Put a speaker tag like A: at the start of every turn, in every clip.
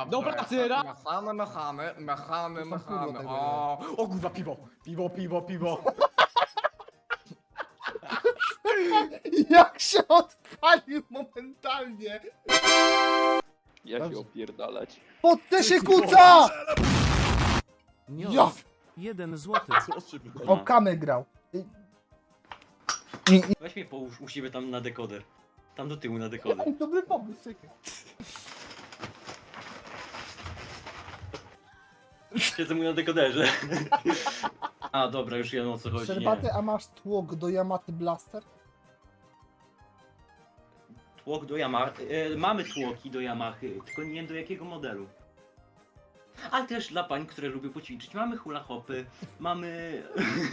A: Do pracy, raz!
B: Machamy.
A: O kurwa, piwo.
B: Jak się odpalił momentalnie!
C: Ja się
B: Dobrze.
C: opierdalać.
B: Pod te się kuca!
D: Nios.
B: Ja!
D: 1 złoty.
B: O kamy grał.
E: Weź mnie połóż u siebie tam na dekoder. Tam do tyłu na dekoder.
B: Dobry pomysł, czekaj.
E: Siedzę mu na dekoderze. A dobra, już wiem o co chodzi. Nie.
B: Szczerbaty, a masz tłok do Yamaty Blaster?
E: Tłok do Yamaha. Mamy tłoki do Yamahy, tylko nie wiem do jakiego modelu. A też dla pań, które lubią poćwiczyć. Mamy hula hopy, mamy...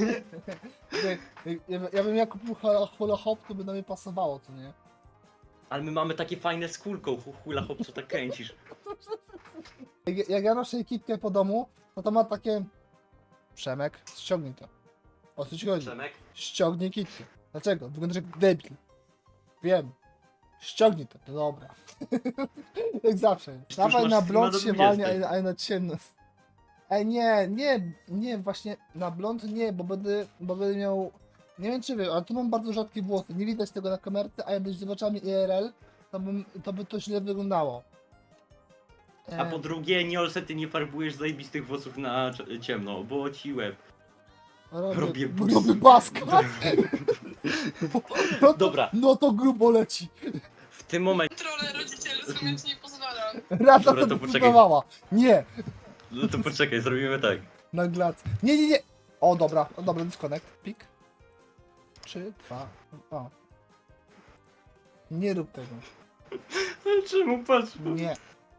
B: Ja bym jak kupił hula hop, to by na mnie pasowało, to nie?
E: Ale my mamy takie fajne z kulką hula hop, co tak kręcisz.
B: Jak ja noszę ekipkę po domu, no to ma takie... Przemek, ściągnij to. O co ci chodzi?
E: Przemek?
B: Ściągnij kitkę. Dlaczego? Wyglądasz jak debil. Wiem. Ściągnij to, to dobra. Jak zawsze.
E: Już
B: Dawaj
E: masz
B: na
E: streama
B: blond
E: do
B: się
E: 20.
B: walnie, a na ciemno. Ej, nie, właśnie na blond nie, bo będę miał... Nie wiem czy wy, ale tu mam bardzo rzadkie włosy. Nie widać tego na kamerce, a jakbyś zobaczyła IRL, to by to źle wyglądało.
E: A po drugie, Niolse, ty nie farbujesz zajebistych włosów na ciemno, bo ci łeb. robię
B: Robię baska. No to,
E: Dobra.
B: No to grubo leci.
E: W tym momencie...
F: Kontrolę rodzicielską, więc nie pozwalam.
B: Rada
E: Dobra,
B: to
E: to poczekaj.
B: próbowała. Nie.
E: No to poczekaj, zrobimy tak.
B: Na glac. Nie. O, dobra, disconnect. Pik. 3, 2, o. Nie rób tego.
E: Ale czemu patrz?
B: Nie.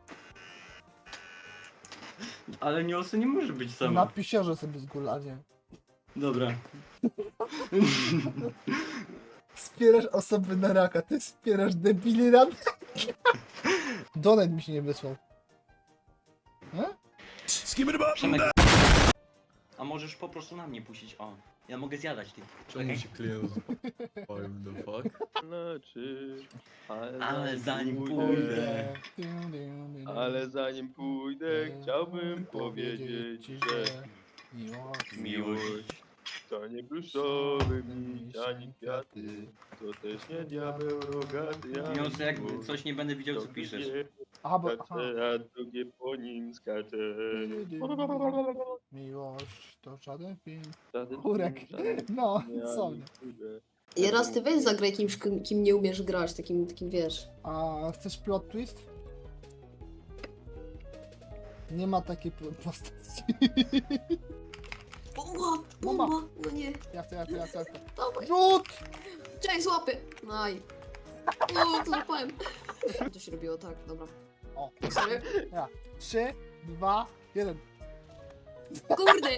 E: Ale Niolse nie może być
B: Na
E: sama.
B: pisiorze sobie zguladzie.
E: Dobra.
B: Wspierasz osoby na raka, ty wspierasz debili rady. Donet mi się nie wysłał.
E: Przemek. A możesz po prostu na mnie puścić, o. Ja mogę zjadać ty.
A: Czemu się klient zapalił, the fuck?
C: Znaczy,
E: Ale zanim
C: pójdę,
E: pójdę.
C: ale zanim pójdę, chciałbym powiedzieć, że miłość to nie pluszowy miś, ani kwiaty, to też nie diabeł rogaty,
E: Niolse, jak coś nie będę widział, co piszesz.
B: Aha, bo...
C: Skacze, a drugie po nim skacze.
B: Miłość to żaden film.
C: Żaden
B: Kurek.
C: film, żaden
B: No,
C: film,
B: co
C: ani
B: mnie.
C: kurde.
F: I raz ty weź zagraj kimś, kim nie umiesz grać, takim wiesz.
B: A chcesz plot twist? Nie ma takiej postaci.
F: Bomba, no nie,
B: Ja chcę.
F: dawaj,
B: Rzut!
F: czekaj, złapy. Aj. O, to złapałem. To się robiło tak, dobra.
B: O.
F: Sorry.
B: 3, 2, 1.
F: Kurde.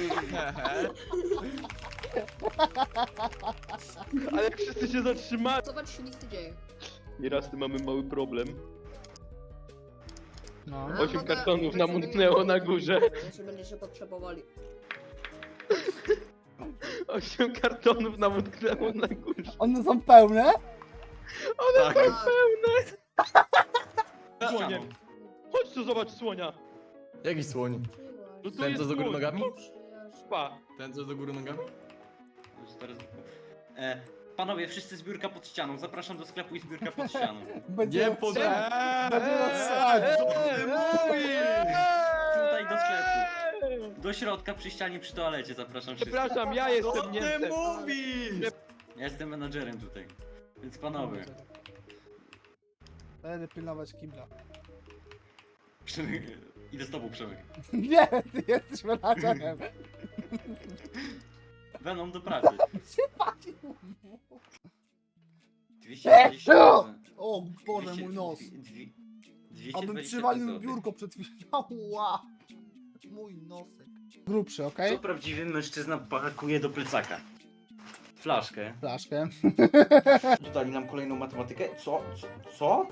C: Ale wszyscy się zatrzymali.
F: Zobacz, się nic nie dzieje.
C: Nieraz tu mamy mały problem.
B: No.
C: 8 kartonów nam utknęło na górze.
F: Jeszcze będziecie potrzebowali.
C: 8 kartonów nam utknęło na górze.
B: One są pełne?
C: One
E: Tak.
C: są pełne.
E: Słonie.
C: Chodź tu zobacz słonia.
A: Jaki słoń?
C: No tu
A: Ten,
C: jest
A: co do góry
C: słoń.
A: nogami?
C: Pa.
A: Ten, co do góry nogami?
E: Panowie, wszyscy zbiórka pod ścianą. Zapraszam do sklepu i zbiórka pod ścianą.
B: Będzie
A: Nie pod...
B: Będzie rozsadzać.
A: Co ty mówisz?
E: Tutaj do sklepu. Do środka przy ścianie przy toalecie zapraszam wszystkich.
C: Przepraszam, ja
A: Co
C: jestem
A: ty
C: Niemcem.
A: mówisz?
E: Ja jestem menadżerem tutaj. Więc panowie.
B: Będę pilnować kibla.
E: Przemek, idę z tobą, Przemek.
B: Nie, ty jesteś menadżerem.
E: Venom do pracy.
B: Palił.
E: 220 zł.
B: O Boże, mój nos.
E: 220
B: Abym
E: zł.
B: przywalił biurko przed chwilą. Ła. Mój nosek. Grubszy, okej?
E: Co prawdziwy mężczyzna pakuje do plecaka? Flaszkę.
B: Flaszkę.
E: Dodali nam kolejną matematykę. Co?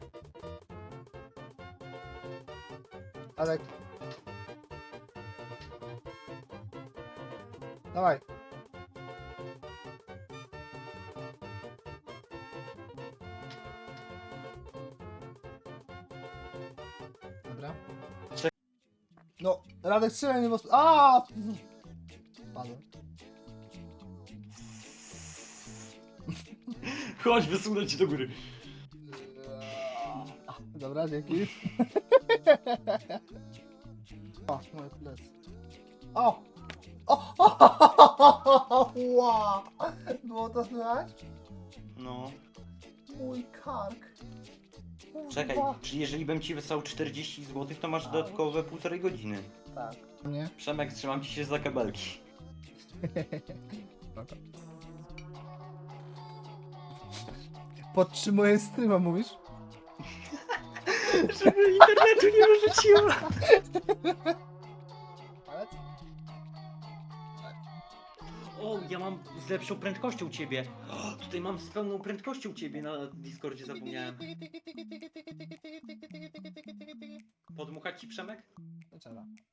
B: Alek. Dawaj. Dobra. No, Radek strzelaj mnie, bo... A! Spadłem.
E: Chodź, wysunę ci do góry.
B: Dobra, dzięki. O, moje plecy. O! O! Wow! Było to słychać?
E: No.
B: Mój kark.
E: Czekaj,
B: Kurwa.
E: czyli jeżeli bym ci wysłał 40 zł, to masz dodatkowe 1,5 godziny.
B: Tak. Nie?
E: Przemek, trzymam ci się za kabelki.
B: Podtrzymuję streama, mówisz?
E: Żeby internetu nie wyrzuciło.
B: Ale...
E: O, ja mam z lepszą prędkością ciebie. O, tutaj mam z pełną prędkością ciebie na Discordzie, zapomniałem. Podmuchać ci, Przemek?
B: Trzeba.